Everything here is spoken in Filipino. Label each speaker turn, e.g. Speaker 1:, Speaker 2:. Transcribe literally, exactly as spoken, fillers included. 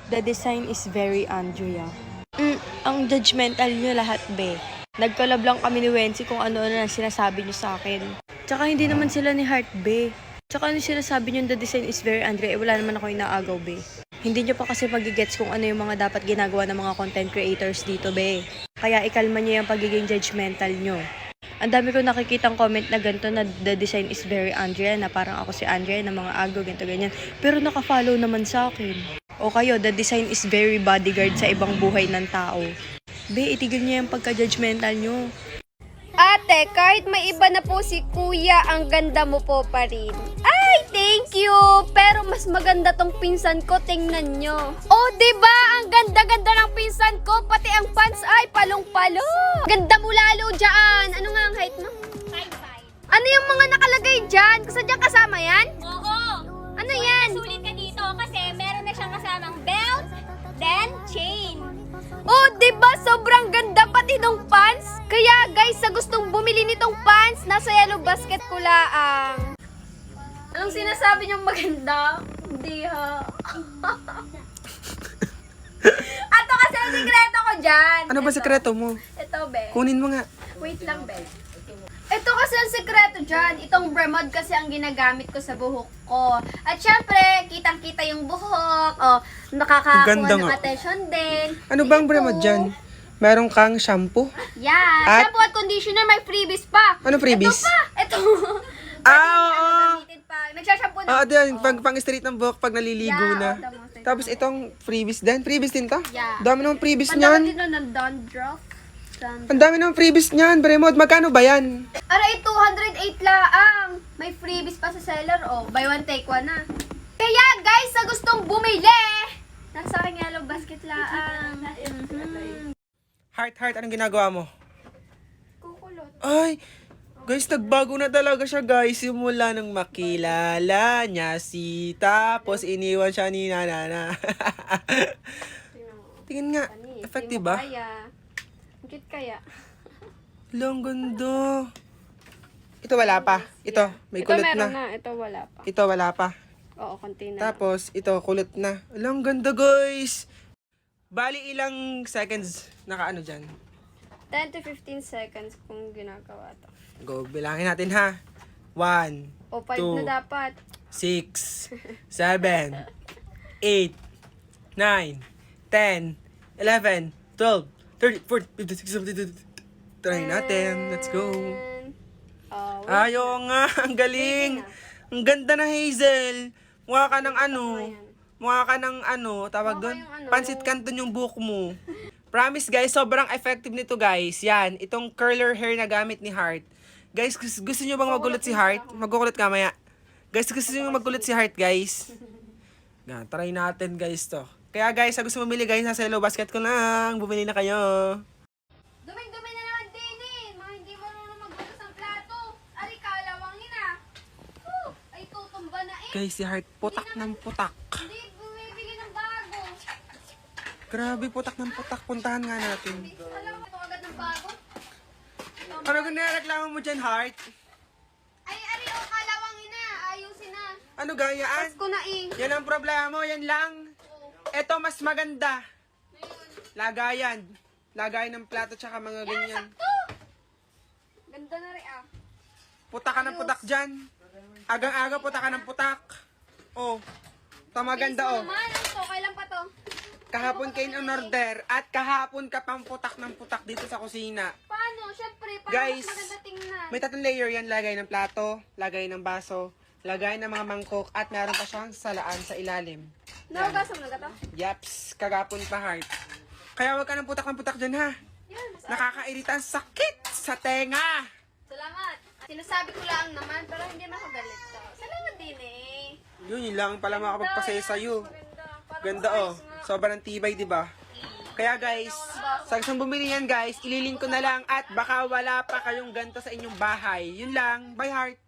Speaker 1: The design is very Andrea. Mm, ang judgmental nyo lahat, be. Nagkolab lang kami ni Wency kung ano-ano na sinasabi nyo sa akin. Tsaka hindi naman sila ni Heart, be. Tsaka ano sinasabi nyo, the design is very Andrea, eh wala naman ako inaagaw, be. Hindi nyo pa kasi magigets kung ano yung mga dapat ginagawa ng mga content creators dito, be. Kaya ikalma nyo yung pagiging judgmental nyo. Ang dami ko nakikitang comment na ganito na the design is very Andrea, na parang ako si Andrea na mga agaw, ganito, ganyan. Pero nakafollow naman sa akin. O kayo, the design is very bodyguard sa ibang buhay ng tao. Be, itigil niyo yung pagka-judgmental nyo.
Speaker 2: Ate, kahit may iba na po si kuya, ang ganda mo po pa rin. Ay, thank you! Pero mas maganda tong pinsan ko, tingnan nyo. Oh, diba? Ang ganda-ganda ng pinsan ko, pati ang pants ay palong-palo. Ganda mo lalo dyan. Ano nga ang height mo?
Speaker 3: five five.
Speaker 2: Ano yung mga nakalagay dyan? Kasadyang kasama yan?
Speaker 3: Oo.
Speaker 2: Ano yan?
Speaker 3: Sulit ka dito kasi meron na siyang kasamang belt, then chain.
Speaker 2: Oh, diba? Sobrang ganda pati nung pants. Kaya guys, sa gustong bumili nitong pants, nasa Yellow Basket ko laang. Anong sinasabi niyong maganda? Hindi ha. Ato kasi ang sikreto ko dyan.
Speaker 4: Ano ba
Speaker 2: Ito.
Speaker 4: sekreto mo?
Speaker 2: Ito, be.
Speaker 4: Kunin mo nga.
Speaker 2: Wait lang, be. Ito kasi ang sekreto dyan. Itong Bremod kasi ang ginagamit ko sa buhok ko. At syempre, kitang-kita yung buhok. O, nakakakuha
Speaker 4: Ganda
Speaker 2: ng
Speaker 4: nga.
Speaker 2: attention din.
Speaker 4: Ano bang
Speaker 2: Ito.
Speaker 4: bremod dyan? Meron kang shampoo?
Speaker 2: Yan.
Speaker 4: At-
Speaker 2: Shampoo at conditioner, may freebies pa.
Speaker 4: Ano freebies?
Speaker 2: Ito pa. Ito.
Speaker 4: Ah,
Speaker 2: Pwede
Speaker 4: oo.
Speaker 2: ano, gamitin pa. Nagsashampoo na.
Speaker 4: Oo, din. Pag pang straight ng buhok pag naliligo
Speaker 2: Yeah,
Speaker 4: na.
Speaker 2: oo, tama, tama.
Speaker 4: Tapos itong freebies din. Freebies din to?
Speaker 2: Yeah.
Speaker 4: Dami naman freebies
Speaker 2: Pandaman
Speaker 4: niyan.
Speaker 2: din nun ng dandruff. Dandruff.
Speaker 4: Ang dami naman freebies niyan. Bremod, magkano ba yan?
Speaker 2: Aray, two hundred eight laang. May freebies pa sa seller, oh. Buy one, take one na. Kaya, guys, sa gustong bumili, nasa aking Yellow Basket laang. Mhm.
Speaker 4: Heart, heart, anong ginagawa mo?
Speaker 2: Kukulot.
Speaker 4: Ay, guys, nagbago na talaga siya, guys. Simula nang makilala niya si tapos iniwan siya ni Nanana. Tingin nga,
Speaker 2: Pani,
Speaker 4: effective
Speaker 2: di mo
Speaker 4: ba?
Speaker 2: Kaya. Ang cute kaya.
Speaker 4: Lang ganda. Ito wala pa. Ito, may
Speaker 2: Ito
Speaker 4: kulot
Speaker 2: meron
Speaker 4: na.
Speaker 2: na. Ito wala pa.
Speaker 4: Ito wala pa.
Speaker 2: Oo, konti na.
Speaker 4: Tapos, ito, kulot na. Alang ganda, guys. Bali, ilang seconds naka-ano dyan?
Speaker 2: ten to fifteen seconds kung ginagawa to.
Speaker 4: Go, bilangin natin, ha? One,
Speaker 2: O, five
Speaker 4: Two.
Speaker 2: na dapat.
Speaker 4: six, seven, eight, nine, ten, eleven, twelve, thirteen, fourteen, fifteen, sixteen, seventeen, eighteen. Try natin. Let's go.
Speaker 2: And, oh, wait.
Speaker 4: Ayo nga, ang galing. Ang ganda na, Hazel. Mukha ka ng ano. Mukha ka ng ano, tawag
Speaker 2: Mukha
Speaker 4: doon?
Speaker 2: yung ano,
Speaker 4: Pansit Canton yung buhok mo. Promise guys, sobrang effective nito guys. Yan, itong curler hair na gamit ni Heart. Guys, gusto, gusto nyo bang magulat si Heart? Magkukulat ka maya. Guys, gusto nyo magulat si Heart guys? Yan, try natin guys to. Kaya guys, sa gusto mamili guys, nasa Yellow Basket ko lang. Bumili na kayo.
Speaker 2: Duming-dumi na naman din eh. Mga hindi marunong magbukas ng plato. Ari, kalawangin ah. Whew, ay tutumba na eh.
Speaker 4: Guys, si Heart, putak ng putak.
Speaker 2: Hindi bumibili ng bago.
Speaker 4: Grabe, putak ng putak. Puntahan nga natin.
Speaker 2: Alam mo, ito agad ng bago.
Speaker 4: Ano kung nireklamo mo dyan, Heart?
Speaker 2: Ay, ari, o kalawangin na. Ayusin na.
Speaker 4: Ano gayaan?
Speaker 2: Tapos ko na eh.
Speaker 4: Yan ang problema mo, yan lang. Ito mas maganda. Lagayan. Lagayan ng plato tsaka mga ganyan.
Speaker 2: Ganda na rin ah.
Speaker 4: Putak ka ng putak dyan. Agang-aga putak ka ng putak. Oh. Ito maganda oh.
Speaker 2: Naman, ano to? Kailan pa to?
Speaker 4: Kahapon kayo in order at kahapon ka pang putak ng putak dito sa kusina.
Speaker 2: Paano? Siyempre, para
Speaker 4: Guys,
Speaker 2: mas maganda tingnan.
Speaker 4: may tatlong layer yan. Lagay ng plato, lagay ng baso, lagay ng mga mangkok at meron pa siyang salaan sa ilalim.
Speaker 2: Naugasam na ka to?
Speaker 4: Yaps, kagapon pa Heart. Kaya wag ka ng putak ng putak dyan ha.
Speaker 2: Yan, mas
Speaker 4: Nakakairita ang sakit sa tenga.
Speaker 2: Salamat. Sinasabi ko lang naman, pero hindi makagalit to. Salamat din eh.
Speaker 4: Yun, yun lang pala makapagpasaya sa'yo.
Speaker 2: Maganda. Parang
Speaker 4: Ganda oh. Sobrang tibay, di ba? Kaya guys, sa gustong bumili yan guys, ililink ko na lang at baka wala pa kayong ganito sa inyong bahay. Yun lang. Bye Heart.